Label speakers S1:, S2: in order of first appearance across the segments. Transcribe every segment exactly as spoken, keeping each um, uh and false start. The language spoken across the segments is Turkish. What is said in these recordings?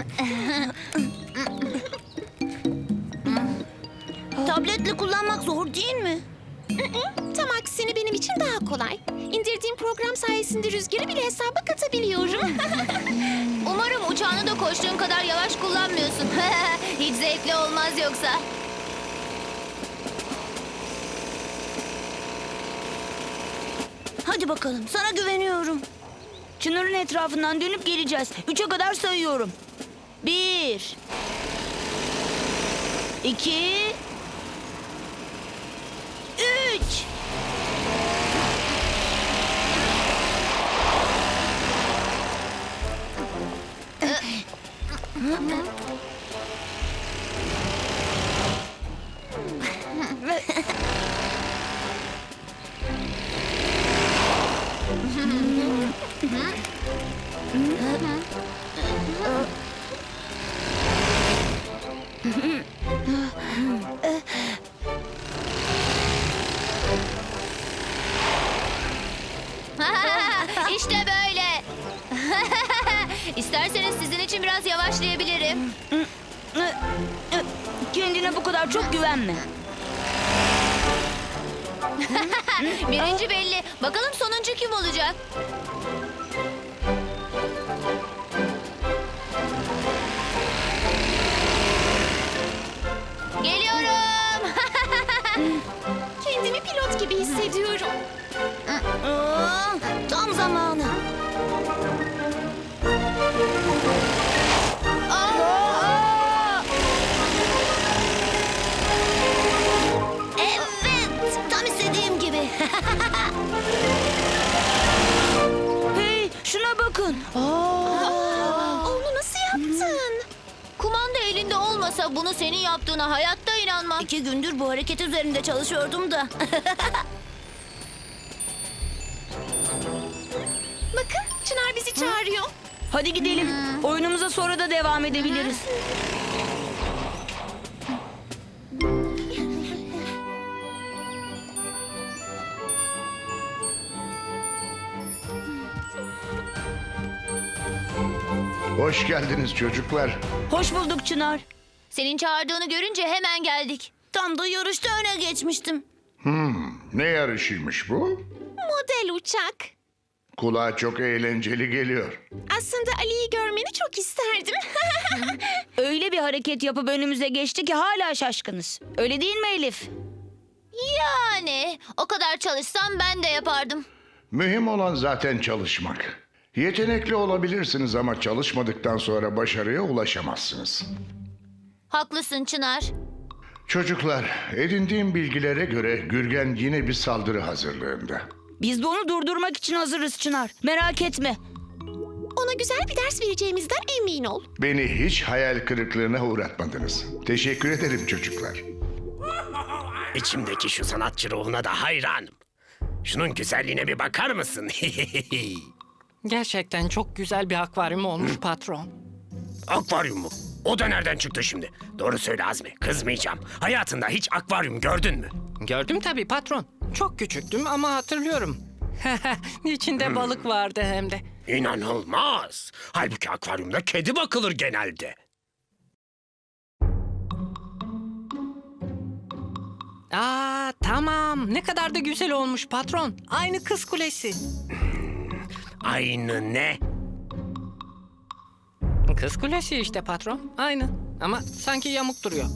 S1: Tabletle kullanmak zor değil mi?
S2: Tam aksine benim için daha kolay. İndirdiğim program sayesinde rüzgarı bile hesaba katabiliyorum.
S3: Umarım uçağını da koştuğun kadar yavaş kullanmıyorsun. Hiç zevkli olmaz yoksa.
S1: Hadi bakalım, sana güveniyorum.
S4: Çınarın etrafından dönüp geleceğiz. Üçe kadar sayıyorum. Bir. İki. Üç.
S3: İşte böyle. İsterseniz sizin için biraz yavaşlayabilirim.
S4: Kendine bu kadar çok güvenme.
S3: Birinci belli. Bakalım sonuncu kim olacak? Geliyorum.
S2: Kendimi pilot gibi hissediyorum.
S1: Aa, tam zamanı. Evet, tam istediğim gibi.
S4: Hey, şuna bakın.
S2: Onu nasıl yaptın?
S3: Kumanda elinde olmasa bunu senin yaptığına hayatta inanmam.
S1: İki gündür bu hareket üzerinde çalışıyordum da.
S2: Bakın Çınar bizi çağırıyor.
S4: Hadi gidelim. Oyunumuza sonra da devam edebiliriz.
S5: Hoş geldiniz çocuklar.
S4: Hoş bulduk Çınar.
S3: Senin çağırdığını görünce hemen geldik.
S1: Tam da yarışta öne geçmiştim.
S5: Ne yarışıymış bu?
S2: Model uçak.
S5: Kulağa çok eğlenceli geliyor.
S2: Aslında Ali'yi görmeni çok isterdim.
S4: Öyle bir hareket yapıp önümüze geçti ki hala şaşkınız. Öyle değil mi Elif?
S3: Yani o kadar çalışsam ben de yapardım.
S5: Mühim olan zaten çalışmak. Yetenekli olabilirsiniz ama çalışmadıktan sonra başarıya ulaşamazsınız.
S3: Haklısın Çınar.
S5: Çocuklar, edindiğim bilgilere göre Gürgen yine bir saldırı hazırlığında.
S4: Biz de onu durdurmak için hazırız Çınar. Merak etme.
S2: Ona güzel bir ders vereceğimizden emin ol.
S5: Beni hiç hayal kırıklığına uğratmadınız. Teşekkür ederim çocuklar.
S6: İçimdeki şu sanatçı ruhuna da hayranım. Şunun güzelliğine bir bakar mısın?
S7: Gerçekten çok güzel bir akvaryum olmuş patron.
S6: Akvaryum mu? O da nereden çıktı şimdi? Doğru söyle Azmi, kızmayacağım. Hayatında hiç akvaryum gördün mü?
S7: Gördüm tabii patron. Çok küçüktüm ama hatırlıyorum. İçinde balık vardı hem de.
S6: İnanılmaz. Halbuki akvaryumda kedi bakılır genelde.
S7: Aa tamam. Ne kadar da güzel olmuş patron. Aynı Kız Kulesi.
S6: Aynı ne?
S7: Kız Kulesi işte patron. Aynı. Ama sanki yamuk duruyor.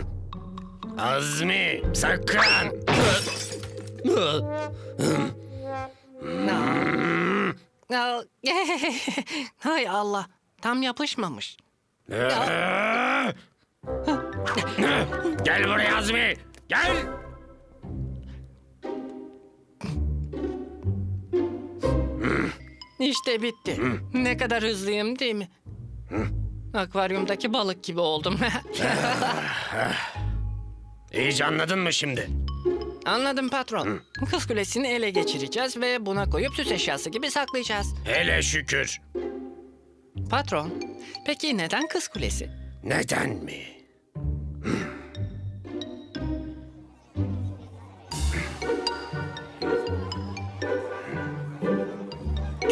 S6: Azmi, sakın.
S7: Aa, Hay Allah. Tam yapışmamış.
S6: Gel buraya Azmi, gel.
S7: İşte bitti. Ne kadar hızlıyım değil mi? Akvaryumdaki balık gibi oldum.
S6: İyice anladın mı şimdi?
S7: Anladım patron. Kız Kulesi'ni ele geçireceğiz ve buna koyup süs eşyası gibi saklayacağız.
S6: Hele şükür.
S7: Patron, peki neden Kız Kulesi?
S6: Neden mi?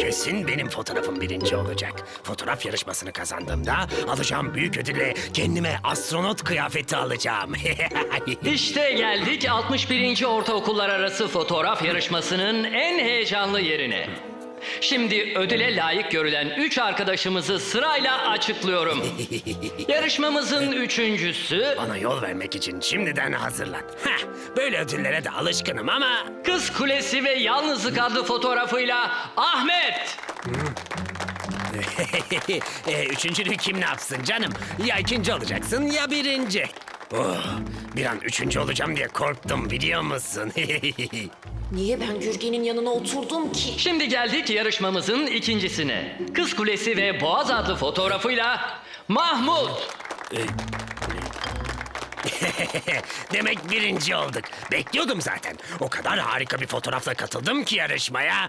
S6: kesin benim fotoğrafım birinci olacak. Fotoğraf yarışmasını kazandığımda alacağım büyük ödülle kendime astronot kıyafeti alacağım.
S8: İşte geldik altmış birinci Ortaokullar Arası Fotoğraf Yarışması'nın en heyecanlı yerine. Şimdi ödüle layık görülen üç arkadaşımızı sırayla açıklıyorum. Yarışmamızın üçüncüsü
S6: Bana yol vermek için şimdiden hazırlan. Heh, böyle ödüllere de alışkınım ama...
S8: Kız Kulesi ve Yalnızlık adlı fotoğrafıyla Ahmet.
S6: e, üçüncülüğü kim ne yapsın canım? Ya ikinci olacaksın ya birinci. Oh, bir an üçüncü olacağım diye korktum biliyor musun?
S2: Niye ben Gürgen'in yanına oturdum ki?
S8: Şimdi geldik yarışmamızın ikincisine. Kız Kulesi ve Boğaz adlı fotoğrafıyla Mahmut.
S6: Demek birinci olduk. Bekliyordum zaten. O kadar harika bir fotoğrafla katıldım ki yarışmaya.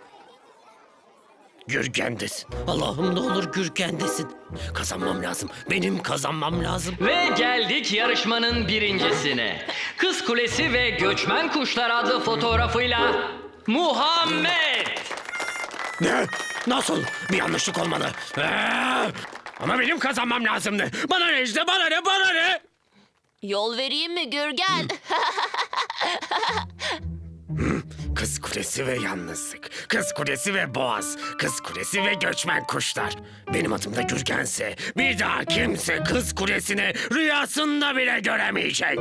S6: Gürgen'desin. Allah'ım ne olur Gürgen'desin. Kazanmam lazım. Benim kazanmam lazım.
S8: Ve geldik yarışmanın birincisine. Kız Kulesi ve Göçmen Kuşlar adlı fotoğrafıyla Muhammed.
S6: Ne? Nasıl? Bir yanlışlık olmalı. Ee, ama benim kazanmam lazımdı. Bana ne işte? Bana ne? Bana ne?
S1: Yol vereyim mi Gürgen?
S6: Kız Kulesi ve Yalnızlık. Kız Kulesi ve Boğaz. Kız Kulesi ve Göçmen Kuşlar. Benim adım da Gürgense bir daha kimse Kız Kulesi'ni rüyasında bile göremeyecek.